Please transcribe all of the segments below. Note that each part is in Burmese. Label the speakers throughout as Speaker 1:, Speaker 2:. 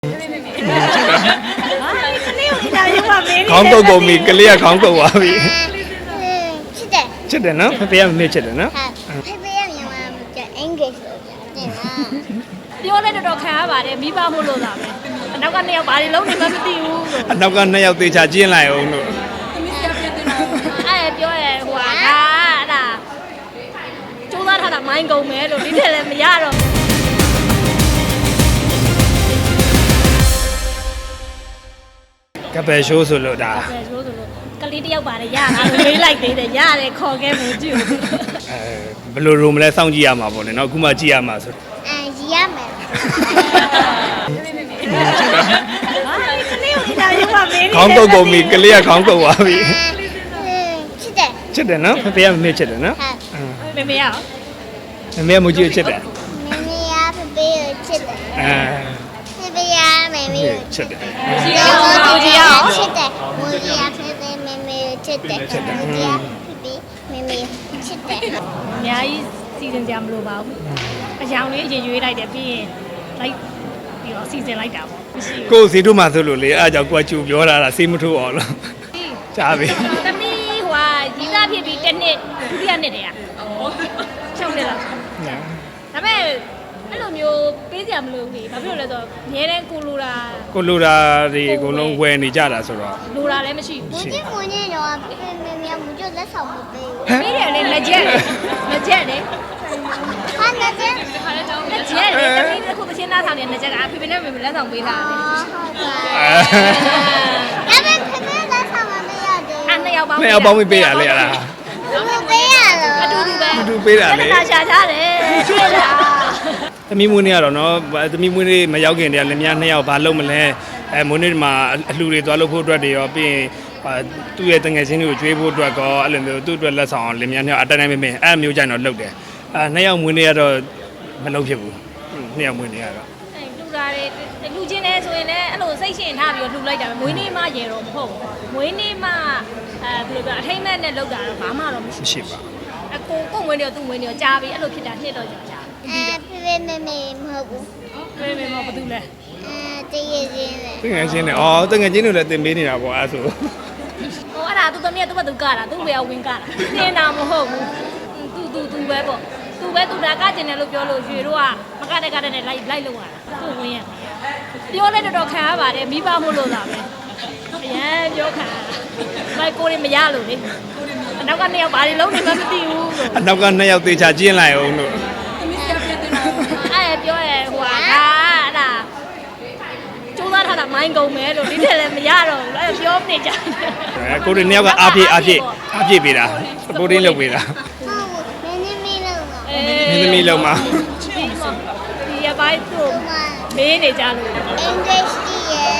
Speaker 1: ခေါင်းကုတ်ကုန်ပြီကလေးကခေါင်းကုတ်သွားပြီ
Speaker 2: ချစ်တယ်
Speaker 1: ချစ်တယ်နော်ဖေဖေကမမေ့ချစ်တယ်နော်
Speaker 2: ဖေဖေရမြန်မာကျအင်္ဂလိပ်ဆိုကြတယ်နော်
Speaker 3: ပြောလဲတော်တော်ခံရပါတယ်မိဘမို့လို့သာပဲအနောက်ကနှစ်ယောက်ဘာတွေလုံးနေမှမသိဘူးလို့
Speaker 1: အနောက်ကနှစ်ယောက်သေချာကျင်းလိုက်အောင်လို့
Speaker 3: အဲ့ပြောရဲဟိုဟာအဲ့ဒါကျိုးသားထားတာမိုင်းကုန်မယ်လို့ဒီထက်လည်းမရတော့
Speaker 1: ကပယ်ရှိုးဆိုလို့ဒါ
Speaker 3: ပဲဆိုလို့ကလေးတယောက်ပါတယ်ရတာလို့မေးလိုက်သေးတယ်ရတယ်ခေါ်ခဲ့မှုကြည့်ဦး
Speaker 1: ဘယ်လိုရုံမလဲစောင့်ကြည့်ရမှာပေါ့နော်အခုမှကြည့်ရမှာဆို
Speaker 2: ရီရမယ်
Speaker 3: ကလေးကိုဒါရုံးပါမင်း
Speaker 1: ခေါင်းကုတ်ကုန်ပြီကလေးကခေါင်းကုတ်သွားပြီ
Speaker 2: ချစ်တယ်
Speaker 1: ချစ်တယ်နော်ဖေဖေကမမေ့ချစ်တယ်နော်
Speaker 3: မေမေရအောင်
Speaker 1: မမေကမကြည့်ချစ်တယ်
Speaker 2: မမေရဖေဖေကိုချစ်တယ်ဖေဖေရမမေကို
Speaker 1: ချစ်တယ်
Speaker 3: ကြည့်အောင်ကိုကြည့်အောင်
Speaker 2: ချစ်တယ်မူရီရဖေဖေမမေကိုချစ်တယ်မူရီရဖေဖေမမေချစ်တယ်
Speaker 3: အများကြီးစီစဉ်ကြမလို့ပါဘူးအကြောင်လေးအရင်ရွေးလိုက်တယ်ပြီးရင်လိုက်ပြီးတော့စီစဉ်လိုက်တာပေါ့မရှိဘူး
Speaker 1: ကိုယ်စီတို့မှဆိုလို့လေအားကြောင့်ကိုကကျူပြောတာလားစေးမထိုးအောင်လို့ကြားပြီ
Speaker 3: သမီးဟိုဟာရီးသားဖြစ်ပြီးတစ်နှစ်ဒုတိယနှစ်တည်းอ่ะချုပ်တယ်လားဒါပေမဲ့အဲ့လိုမျိုးပေးစရာမလိုဘူးလေဘာဖြစ်လို့လဲဆိုတော့အများတန်းကိုလိုတာ
Speaker 1: ကိုလိုတာတွေအကုန်လုံးဝယ်နေကြတာဆိုတော့
Speaker 3: လိုတာလည်းမရှိ
Speaker 2: မူ
Speaker 3: ဘူး
Speaker 2: ကြီးမူနေတော့ဖေဖေမမေမူကြီးလက်ဆောင်မပေးဘူး
Speaker 3: ပေးတယ်လေလက်ချက်လက်ချက်လေ
Speaker 2: ဟာနဲ့
Speaker 3: လက်ချက်လေတမီးတစ်ခုတစ်ချင်းသားဆောင်နေတဲ့လက်ကဖေဖေနဲ့မေမေလက်ဆောင်ပေးတာလေ
Speaker 2: ဟုတ်ပါဒါပေမဲ့ဖေဖေလက်ဆောင်မပေးရသေး
Speaker 3: အဲ့နှစ်ယောက်ပေါင်း
Speaker 1: နှစ်ယောက်ပေါင်းမပေးရလေအဲ့ဒါ
Speaker 2: ဘူးမပေးရလို့
Speaker 3: အတူတူပဲ
Speaker 1: အတူပေးတာလေ
Speaker 3: ရှာချတယ်တွေ့လား
Speaker 1: သမီးမွေးနေ့ကတော့နော်သမီးမွေးနေ့မရောက်ခင်တည်းကလည်းများနှစ်ယောက်ဘာလုပ်မလဲမွေးနေ့မှာအလှူတွေသွားလုပ်ဖို့အတွက်တွေရောပြီးရင်သူ့ရဲ့တငယ်ချင်းတွေကိုကျွေးဖို့အတွက်ကောအဲ့လိုမျိုးသူ့အတွက်လက်ဆောင်အောင်လင်များနှစ်ယောက်အတိုင်းတိုင်းမင်းအဲ့မျိုးကြိုင်တော့လုပ်တယ်နှစ်ယောက်မွေးနေ့ကတော့မလုပ်ဖြစ်ဘူးနှစ်ယောက်မွေးနေ့ကတော့
Speaker 3: အဲ့လူတာတွေလူချင်းနေဆိုရင်လည်းအဲ့လိုစိတ်ရှင်ထားပြီးတော့လှူလိုက်တာပဲမွေးနေ့မှရေတော့မဟုတ်ဘူးမွေးနေ့မှဘယ်လိုပြောအထိမ့်မဲ့နဲ့လောက်တာတော့ဘာမှတော့မရှိ
Speaker 1: မရှိပါ
Speaker 3: အကိုမွေးနေ့တော့သူ့မွေးနေ့တော့ကြားပြီးအဲ့လိုဖြစ်တာနှစ်တော့ကြာ
Speaker 2: ဖေဖေမမေမဟုတ်ဘူး
Speaker 3: မေမေမဘာတူလဲ
Speaker 2: တည်ရည်ချင်းလေ
Speaker 1: တငယ်ချင်းတွေတငယ်ချင်းတွေလည်းတင်ပေးနေတာပေါ့အဲ့ဆို
Speaker 3: ဟိုအဲ့ဒါသူသမီးကသူ့ဘသူကတာသူ့ဘယ်ကဝင်ကတာနေတာမဟုတ်ဘူးသူပဲပေါ့သူဒါကကျင်တယ်လို့ပြောလို့ရွှေတို့ကမကတဲ့ကတဲ့နဲ့လိုက်လို့ရတာသူ့ဝင်ရပြောလဲတော်တော်ခံရပါတယ်မိဘမို့လို့သာပဲအရန်ပြောခံရတာမိုက်ကိုတွေမရလို့လေအနောက်ကနှစ်ယောက်ဘာတွေလုံးနေမှမသိဘူးလို့
Speaker 1: အနောက်ကနှစ်ယောက်သေချာကျင်းလိုက်အောင်လို့
Speaker 3: အဲ့ပြောရဲဟိုဟာအဲ့ဒါကျိုးသားထားတာမိုင်းကုန်မယ်လို့ဒီထက်လည်းမရတော့ဘူးအဲ့ပြောနေကြတယ်
Speaker 1: ကိုတွေနှစ်ယောက်ကအားပြေးပေးတာစပိုတင်းလုပ်ပေးတာ
Speaker 2: ဟုတ်ဘူးနင်းနေမလို့ပါ
Speaker 1: မင်းသမီးလုံးမှာ
Speaker 3: ဒီရပိုင်းသူ့မေးနေကြလို့
Speaker 2: English တည်ရယ်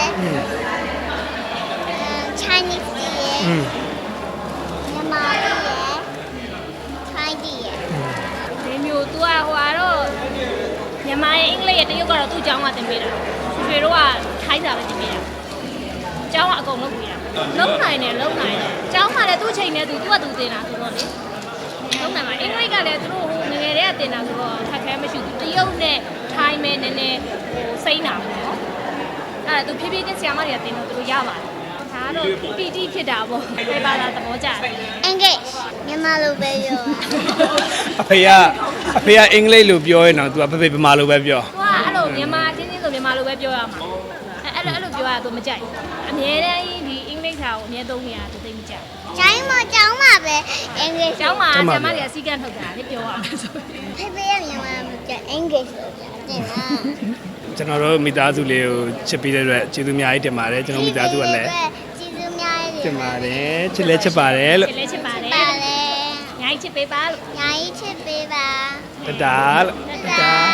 Speaker 2: Chinese တည်ရယ်မြန်မာတည်ရယ် Thai တည်ရယ်
Speaker 3: ဒီမျိုး तू ကဟိုကတော့မြန်မာရဲ့အင်္ဂလိပ်ရဲ့တရုတ်ကတော့သူ့အကြောင်းကသင်ပေးတာဆွေတို့ကထိုင်းစာပဲသင်ပေးတာအကြောင်းကအကုန်လုံးပြရလုံးနိုင်တယ်အကြောင်းကလည်းသူ့ချိန်နဲ့သူကသူသင်တာဆိုတော့လေလုံးနိုင်မှာအင်္ဂလိပ်ကလည်းသူတို့ဟိုငယ်ငယ်တည်းကသင်တာဆိုတော့ခက်ခဲမရှိဘူးတရုတ်နဲ့ထိုင်းမဲနည်းနည်းဟိုစိမ့်တာပေါ့နော်အဲ့ဒါသူဖြည်းဖြည်းချင်းဆရာမတွေကသင်တော့သူတို့ရပါတယ်ဒါကတော့ PT ဖြစ်တာပေါ့ဘယ်ပါလာသဘောကျတယ်
Speaker 2: English မြန်မာလိုပဲပြော
Speaker 1: အဖေကအင်္ဂလိပ်လိုပြောရင်တော့ तू ကဖေဗမာလိုပဲပြော
Speaker 3: သူကအဲ့လိုမြန်မာချင်းချင်းဆိုမြန်မာလိုပဲပြောရမှာအဲ့လိုပြောရတော့မကြိုက်အမြဲတမ်းဒီအင်္ဂလိပ်စာကိုအမြဲသုံးနေရသူသိမကြိုက်
Speaker 2: ကျိုင်းမကျောင်းမှာပဲ English
Speaker 3: ကျောင်းမှာဆရာမတွေကစီကံထုတ်တာလေပြောရမယ်ဆို
Speaker 2: ဖေဖေရမြန်မာကျ English ဆိုကြတယ်နော်
Speaker 1: ကျွန်တော်တို့မိသားစုလေးကိုချစ်ပြီးတဲ့အတွက်ကျေးဇူးအများကြီးတင်ပါတယ်ကျွန်တော်မိသားစုကလည်း
Speaker 2: ကျေးဇူးအများကြီး
Speaker 1: တင်ပါတယ်ချစ်လဲချစ်ပါတယ်လို့
Speaker 3: ချစ်လဲချစ်ပါတယ်
Speaker 2: ပါလေ
Speaker 3: ညာကြီးချစ်ပေးပါလို့
Speaker 2: ညာကြီးချစ်ပေးပါ
Speaker 1: တတားလို့
Speaker 2: တာ